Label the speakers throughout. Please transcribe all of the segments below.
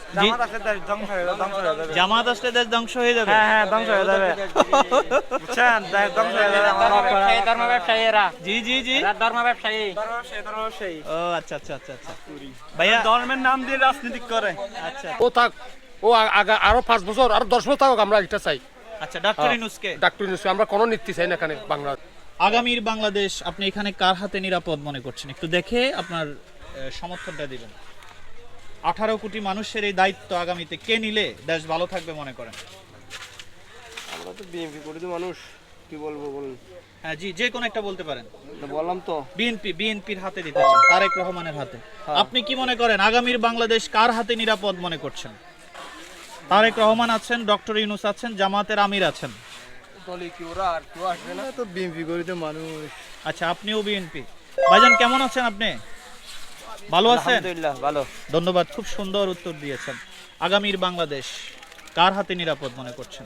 Speaker 1: জামাত আসলে দেশ ধ্বংস হয়ে যাবে।
Speaker 2: জামাত আসলে দেশ ধ্বংস হয়ে যাবে।
Speaker 1: হ্যাঁ হ্যাঁ, ধ্বংস হয়ে যাবে। বুঝছেন, দেশ ধ্বংস হয়ে যাবে।
Speaker 3: ধর্ম ব্যবসায়ী এরা,
Speaker 2: জি জি জি।
Speaker 3: ধর্ম ব্যবসায়ী।
Speaker 1: ধর্মব্যবসায়ী।
Speaker 2: ও আচ্ছা আচ্ছা আচ্ছা আচ্ছা ভাইয়া,
Speaker 1: ধর্মের নাম দিয়ে রাজনীতি করে।
Speaker 2: আচ্ছা
Speaker 4: ও থাক, ও আরো 5 বছর আরো 10 বছর থাকুক, আমরা এটা চাই।
Speaker 2: আচ্ছা, ডক্টর ইউনূসকে
Speaker 4: ডাক্তার ইউনূস, আমরা কোনো নীতি চাই না এখানে বাংলা।
Speaker 2: আগামীর বাংলাদেশ আপনি এখানে কার হাতে নিরাপদ মনে করছেন? একটু দেখে আপনার সমর্থনটা দিবেন। 18 কোটি মানুষের এই দায়িত্ব আগামীতে কে নিলে দেশ ভালো থাকবে মনে করেন?
Speaker 1: আমরা তো বিএনপি করি তো মানুষ, কি বলবো বলুন।
Speaker 2: হ্যাঁ জি, যে কোনো একটা বলতে পারেন।
Speaker 1: বললাম তো
Speaker 2: বিএনপির হাতে দিতে চান, তারেক রহমানের হাতে। আপনি কি মনে করেন আগামীর বাংলাদেশ কার হাতে নিরাপদ মনে করছেন? তারেক রহমান আছেন, ডক্টর ইউনূস আছেন, জামাতের আমির আছেন।
Speaker 1: দলে কি ওরা আর কেউ আসবে না তো, বিএনপি করি তো মানুষ।
Speaker 2: আচ্ছা, আপনিও বিএনপি। ভাইজান কেমন আছেন আপনি? ভালো আছেন?
Speaker 1: আলহামদুলিল্লাহ ভালো।
Speaker 2: ধন্যবাদ, খুব সুন্দর উত্তর দিয়েছেন। আগামীর বাংলাদেশ কার হাতে নিরাপদ মনে করছেন?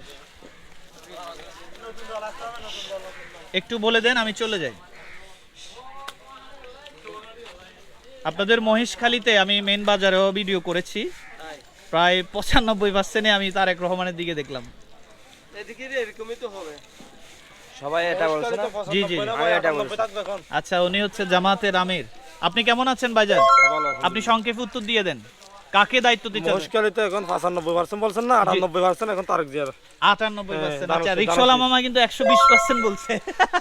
Speaker 2: একটু বলে দেন, আমি চলে যাই। আপনাদের মহেশখালীতে আমি মেন বাজারেও ভিডিও করেছি, প্রায় 95% আমি তারেক রহমানের দিকে দেখলাম।
Speaker 1: এদিকে এরকমই তো হবে, সবাই এটা বলছে না।
Speaker 2: জি জি,
Speaker 1: আমি এটা বলছি।
Speaker 2: আচ্ছা, উনি হচ্ছে জামাতের আমির। আপনি কেমন আছেন ভাইজান? আপনি সংক্ষেপে উত্তর দিয়ে দেন, কাকে দায়িত্ব দিতে হবে?
Speaker 1: মুশকিল তো এখন 95% বলছেন না, 98% এখন তারেক জিয়ার।
Speaker 2: 98%। আচ্ছা, রিকশাওয়ালা মামা কিন্তু 120% বলছে।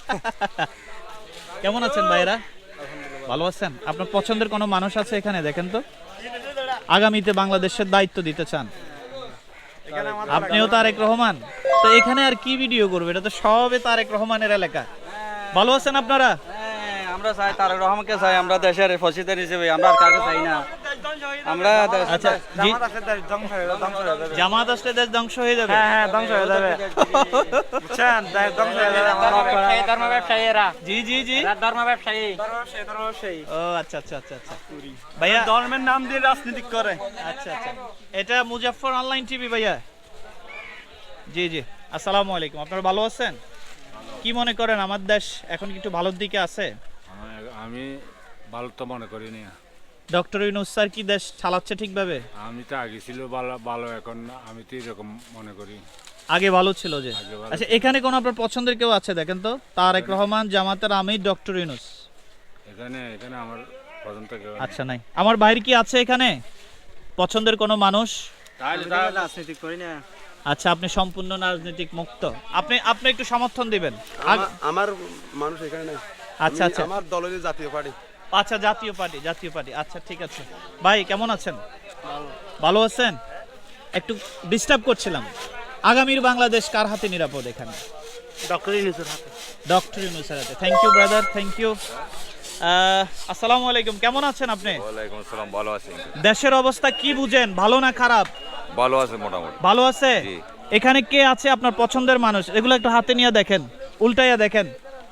Speaker 2: কেমন আছেন ভাইরা? ভালো আছেন? আপনার পছন্দের কোনো মানুষ আছে এখানে? দেখেন তো, আগামীতে বাংলাদেশের দায়িত্ব দিতে চান। আপনিও তারেক রহমান, তো এখানে আর কি ভিডিও করবে? এটা তো সবে তারেক রহমানের এলাকা। ভালো আছেন আপনারা?
Speaker 3: আমরা চাই তারেক রহমানকে চাই, আমরা দেশের ফসিদের হিসেবে, আমরা আর কাকে চাই না। আমরা
Speaker 2: আচ্ছা জি,
Speaker 1: জামাত আসলে দেশ ধ্বংস হয়ে যাবে।
Speaker 2: জামাত আসলে দেশ ধ্বংস হয়ে যাবে।
Speaker 1: হ্যাঁ হ্যাঁ, ধ্বংস হয়ে যাবে। বুঝছেন, দেশ ধ্বংস হয়ে যাবে।
Speaker 3: ধর্ম ব্যবসায়ী এরা,
Speaker 2: জি জি জি।
Speaker 3: ধর্ম ব্যবসায়ী।
Speaker 1: ধর্মব্যবসায়ী।
Speaker 2: ও আচ্ছা আচ্ছা আচ্ছা আচ্ছা ভাইয়া,
Speaker 1: ধর্মের নাম দিয়ে রাজনীতি করে।
Speaker 2: আচ্ছা আচ্ছা, এটা মুজাফফর অনলাইন টিভি ভাইয়া। জি জি, আসসালামু আলাইকুম। আপনারা ভালো আছেন? কি মনে করেন আমার দেশ এখন কি একটু ভালোর দিকে আছে?
Speaker 5: আমি ভালো তো মনে করি না।
Speaker 2: ডক্টর ইউনূস স্যার কি দেশ চালাচ্ছে ঠিকভাবে?
Speaker 5: আমি তো আগে ছিল ভালো ভালো, এখন আমি তো এরকম মনে করি।
Speaker 2: আগে ভালো ছিল যে।
Speaker 5: আগে ভালো
Speaker 2: আচ্ছা, এখানে কোন আপনার পছন্দের কেউ আছে দেখেন তো? তারেক রহমান, জামাতের আমির, ডক্টর ইউনূস।
Speaker 5: এখানে এখানে আমার পছন্দ কেউ নেই।
Speaker 2: আচ্ছা, নাই। আমার বাইরে কি আছে এখানে পছন্দের কোনো মানুষ?
Speaker 5: তাহলে
Speaker 1: রাজনীতি করি না।
Speaker 2: আচ্ছা, আপনি সম্পূর্ণ রাজনৈতিক মুক্ত। আপনি আপনি একটু সমর্থন দিবেন।
Speaker 6: আমার মানুষ এখানে নাই।
Speaker 2: আচ্ছা আচ্ছা
Speaker 6: আমার দল হলো জাতীয় পার্টি।
Speaker 2: আচ্ছা, জাতীয় পার্টি। আচ্ছা, ঠিক আছে। ভাই কেমন আছেন? ভালো আছেন? একটু ডিস্টার্ব করছিলাম। আগামীর বাংলাদেশ কার হাতে নিরাপদ এখানে?
Speaker 1: ডক্টর ইউনূসের হাতে।
Speaker 2: ডক্টর ইউনূসের হাতে। Thank you brother, thank you. আসসালামু আলাইকুম, কেমন আছেন আপনি?
Speaker 7: ওয়ালাইকুম আসসালাম, ভালো আছি।
Speaker 2: দেশের অবস্থা কি বুঝেন, ভালো না খারাপ?
Speaker 7: ভালো আছে মোটামুটি।
Speaker 2: ভালো আছে।
Speaker 7: জি।
Speaker 2: এখানে কে আছে আপনার পছন্দের মানুষ? এগুলো একটু হাতে নিয়ে দেখেন, উল্টাইয়া দেখেন।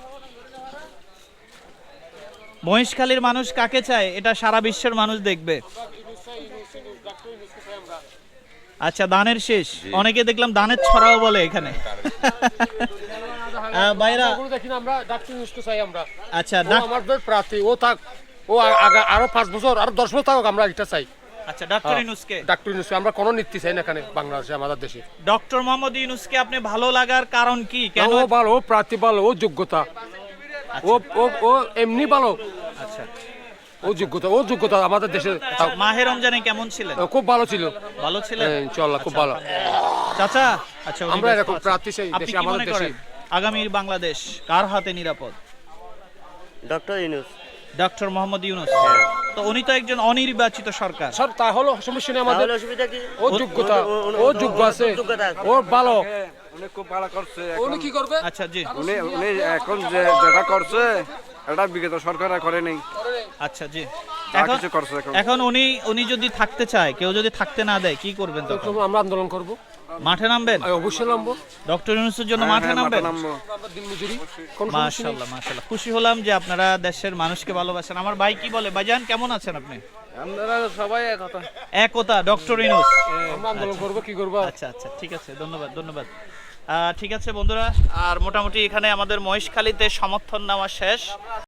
Speaker 2: মহেশখালীর মানুষ কাকে চায় এটা সারা বিশ্বের মানুষ দেখবে। আচ্ছা, দানের শেষ। অনেকে দেখলাম দানের ছড়াও বলে এখানে। বাইরা,
Speaker 4: দেখি না, আমরা ডাক্তার ইউনূসকে চাই আমরা।
Speaker 2: আচ্ছা
Speaker 4: ও আমাদের প্রার্থী, ও থাক, ও আরো 5 বছর আরো 10 বছর থাকুক, আমরা এটা চাই।
Speaker 2: আচ্ছা, ডক্টর ইউনূসকে।
Speaker 4: ডাক্তার ইউনূস, আমরা কোনো নীতি চাই না এখানে বাংলাদেশে, আমাদের দেশে।
Speaker 2: ডক্টর মোহাম্মদ ইউনূসকে আপনি ভালো লাগার কারণ কি? কেন?
Speaker 4: ও ভালো, ও প্রার্থী ভালো, ও যোগ্যতা, ও ও ও এমনি ভালো,
Speaker 2: আচ্ছা,
Speaker 4: ও যোগ্যতা আমাদের দেশে।
Speaker 2: মাহে রমজানে কেমন ছিলেন?
Speaker 4: ও খুব ভালো ছিল।
Speaker 2: ভালো ছিলেন?
Speaker 4: ইনশাআল্লাহ খুব ভালো।
Speaker 2: চাচা, আচ্ছা, উনি
Speaker 4: আমরা
Speaker 2: ব্যস্ত
Speaker 4: এরকম
Speaker 2: আছেন।
Speaker 4: প্রার্থী চাই
Speaker 2: আপনি
Speaker 4: দেশে,
Speaker 2: কি
Speaker 4: আমাদের
Speaker 2: মনে
Speaker 4: দেশে।
Speaker 2: করেন আগামীর বাংলাদেশ কার হাতে নিরাপদ?
Speaker 1: ডক্টর ইউনূস।
Speaker 2: ডক্টর মোহাম্মদ ইউনূস। তো উনি তো একজন অনির্বাচিত সরকার।
Speaker 4: স্যার, তা হলো সমস্যা নেই আমাদের।
Speaker 1: অসুবিধা কি?
Speaker 4: ও যোগ্যতা, ও যোগ্য আছে, ও ভালো।
Speaker 6: উনি খুব ভালো করছে।
Speaker 4: উনি কি করবে?
Speaker 2: আচ্ছা জি,
Speaker 6: উনি উনি এখন যেটা করছে এটা বিগত সরকার করে নেই।
Speaker 2: আচ্ছা জি।
Speaker 6: যা
Speaker 2: এখন
Speaker 6: কিছু করছে এখন।
Speaker 2: এখন উনি যদি থাকতে চায়, কেউ যদি থাকতে না দেয়, কি করবেন তখন?
Speaker 4: আমরা আন্দোলন করব,
Speaker 2: মাঠে নামবেন?
Speaker 4: অবশ্যই নামবো।
Speaker 2: ডক্টর ইউনূসের জন্য মাঠে নামবেন?
Speaker 4: আমরা দিনমজুরি, কোনো সমস্যা নেই।
Speaker 2: মাশাআল্লাহ মাশাআল্লাহ, খুশি হলাম যে আপনারা দেশের মানুষকে ভালোবাসেন। আমার ভাই কি বলে? ভাইজান কেমন আছেন আপনি?
Speaker 1: আমরা সবাই একতা।
Speaker 2: একতা, ডক্টর ইউনূস।
Speaker 4: আমরা আন্দোলন করব, কি করব?
Speaker 2: আচ্ছা আচ্ছা, ঠিক আছে, ধন্যবাদ ধন্যবাদ। ঠিক আছে বন্ধুরা, আর মোটামুটি এখানে আমাদের মহেশখালীতে সমর্থন নেওয়া শেষ।